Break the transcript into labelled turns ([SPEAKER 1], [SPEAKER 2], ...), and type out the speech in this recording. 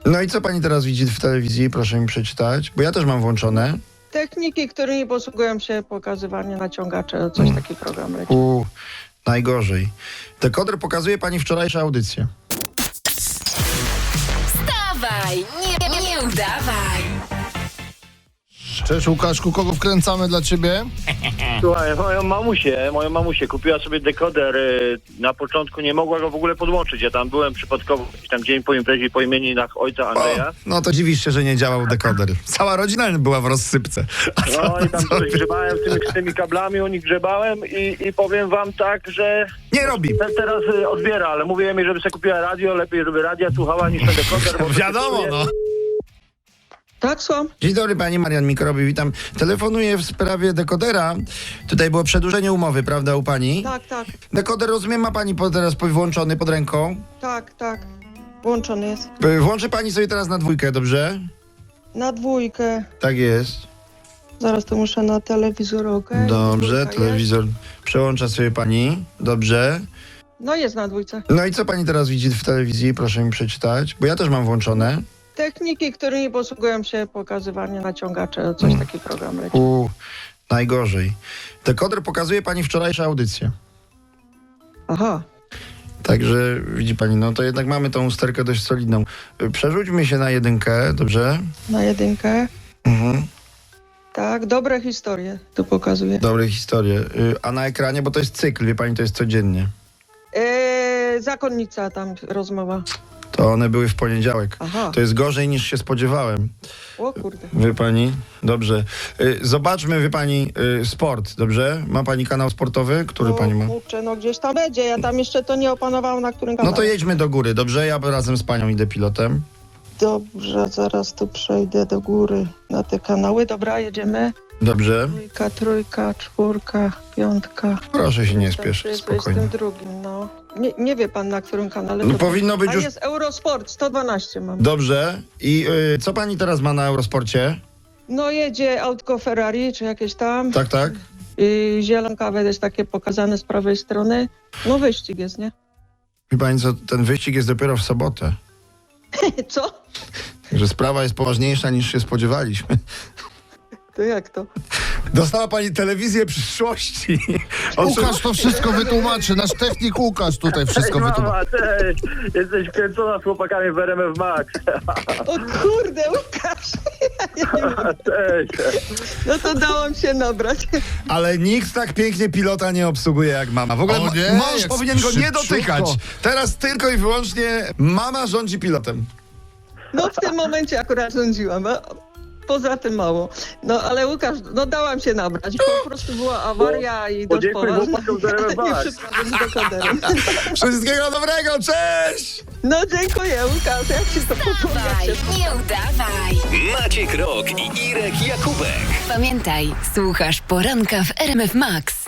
[SPEAKER 1] No i co pani teraz widzi w telewizji? Proszę mi przeczytać, bo ja też mam włączone.
[SPEAKER 2] Techniki, którymi posługują się pokazywanie naciągacze, coś taki program leci.
[SPEAKER 1] Najgorzej. Dekoder pokazuje pani wczorajsze audycje.
[SPEAKER 3] Wstawaj, nie udawaj.
[SPEAKER 4] Cześć Łukaszku, kogo wkręcamy dla ciebie?
[SPEAKER 5] Słuchaj, moją mamusię kupiła sobie dekoder. Na początku nie mogła go w ogóle podłączyć. Ja tam byłem przypadkowo tam dzień po imprezie po imieninach ojca Andrzeja.
[SPEAKER 1] No to dziwisz się, że nie działał dekoder. Cała rodzina była w rozsypce.
[SPEAKER 5] No i tam coś grzebałem z tymi kablami, u nich grzebałem i powiem wam tak, że
[SPEAKER 1] Nie robi.
[SPEAKER 5] teraz odbiera, ale mówiłem jej, żeby sobie kupiła radio, lepiej żeby radia słuchała niż ten dekoder. Bo
[SPEAKER 1] Wiadomo, no.
[SPEAKER 2] Tak, słucham?
[SPEAKER 1] Dzień dobry, pani Marian Mikrobi, witam. Telefonuję w sprawie dekodera. Tutaj było przedłużenie umowy, prawda, u pani?
[SPEAKER 2] Tak.
[SPEAKER 1] Dekoder, rozumiem, ma pani teraz włączony pod ręką.
[SPEAKER 2] Tak. Włączony jest.
[SPEAKER 1] Włączy pani sobie teraz na 2, dobrze?
[SPEAKER 2] Na 2.
[SPEAKER 1] Tak jest.
[SPEAKER 2] Zaraz to muszę na telewizor, okej?
[SPEAKER 1] Dobrze,
[SPEAKER 2] 2
[SPEAKER 1] telewizor przełącza sobie pani. Dobrze.
[SPEAKER 2] jest. No jest na 2.
[SPEAKER 1] No i co pani teraz widzi w telewizji? Proszę mi przeczytać, bo ja też mam włączone.
[SPEAKER 2] Techniki, którymi posługują się pokazywanie naciągacze, coś taki program leci.
[SPEAKER 1] Najgorzej. Dekoder pokazuje pani wczorajsze audycje.
[SPEAKER 2] Aha.
[SPEAKER 1] Także widzi pani, no to jednak mamy tą usterkę dość solidną. Przerzućmy się na 1, dobrze?
[SPEAKER 2] Na 1.
[SPEAKER 1] Mhm.
[SPEAKER 2] Tak, dobre historie tu pokazuje.
[SPEAKER 1] Dobre historie. A na ekranie, bo to jest cykl, wie pani, to jest codziennie.
[SPEAKER 2] Zakonnica tam rozmowa.
[SPEAKER 1] To one były w poniedziałek.
[SPEAKER 2] Aha.
[SPEAKER 1] To jest gorzej niż się spodziewałem.
[SPEAKER 2] O kurde.
[SPEAKER 1] Wie pani? Dobrze. Zobaczmy, wie pani, sport, dobrze? Ma pani kanał sportowy? Który pani ma?
[SPEAKER 2] Kurczę, no gdzieś tam będzie. Ja tam jeszcze to nie opanowałam, na którym
[SPEAKER 1] No
[SPEAKER 2] kanale.
[SPEAKER 1] to jedźmy do góry, dobrze? Ja razem z panią idę pilotem.
[SPEAKER 2] Dobrze, zaraz tu przejdę do góry na te kanały. Dobra, jedziemy.
[SPEAKER 1] Dobrze.
[SPEAKER 2] 2, 3, 4, 5.
[SPEAKER 1] Proszę się nie spieszyć, spokojnie.
[SPEAKER 2] 22, no. Nie wie pan, na którym kanale.
[SPEAKER 1] No
[SPEAKER 2] to
[SPEAKER 1] powinno być
[SPEAKER 2] A
[SPEAKER 1] już...
[SPEAKER 2] jest Eurosport, 112 mam.
[SPEAKER 1] Dobrze. I co pani teraz ma na Eurosporcie?
[SPEAKER 2] No jedzie autko Ferrari, czy jakieś tam.
[SPEAKER 1] Tak.
[SPEAKER 2] I zielonkawe jest takie pokazane z prawej strony. No wyścig jest, nie?
[SPEAKER 1] Wie pani co, ten wyścig jest dopiero w sobotę.
[SPEAKER 2] Co?
[SPEAKER 1] Że sprawa jest poważniejsza niż się spodziewaliśmy.
[SPEAKER 2] To jak to?
[SPEAKER 1] Dostała pani telewizję przyszłości.
[SPEAKER 4] Łukasz to wszystko wytłumaczy, nasz technik Łukasz tutaj wszystko wytłumaczy.
[SPEAKER 5] Mama, cześć! Jesteś kręcona z chłopakami w RMF Max.
[SPEAKER 2] O kurde, Łukasz! Ja nie mogę.
[SPEAKER 5] Cześć!
[SPEAKER 2] No to dałam się nabrać.
[SPEAKER 1] Ale nikt tak pięknie pilota nie obsługuje jak mama. W ogóle
[SPEAKER 4] O nie,
[SPEAKER 1] mąż
[SPEAKER 4] jak
[SPEAKER 1] powinien go nie
[SPEAKER 4] szybciutko.
[SPEAKER 1] dotykać. Teraz tylko i wyłącznie mama rządzi pilotem.
[SPEAKER 2] No w tym momencie akurat rządziłam. A poza tym mało. No ale Łukasz, no dałam się nabrać. Po prostu była awaria i dość
[SPEAKER 5] Podziękuj
[SPEAKER 2] poważna.
[SPEAKER 5] chłopakom z RMF
[SPEAKER 2] Nie
[SPEAKER 5] Max.
[SPEAKER 2] przypadłem z dekoderem.
[SPEAKER 1] Wszystkiego dobrego, cześć!
[SPEAKER 2] No dziękuję, Łukasz. Jak się to podoba?
[SPEAKER 3] Wstawaj, nie udawaj.
[SPEAKER 6] Maciek Rok i Irek Jakubek.
[SPEAKER 3] Pamiętaj, słuchasz poranka w RMF Max.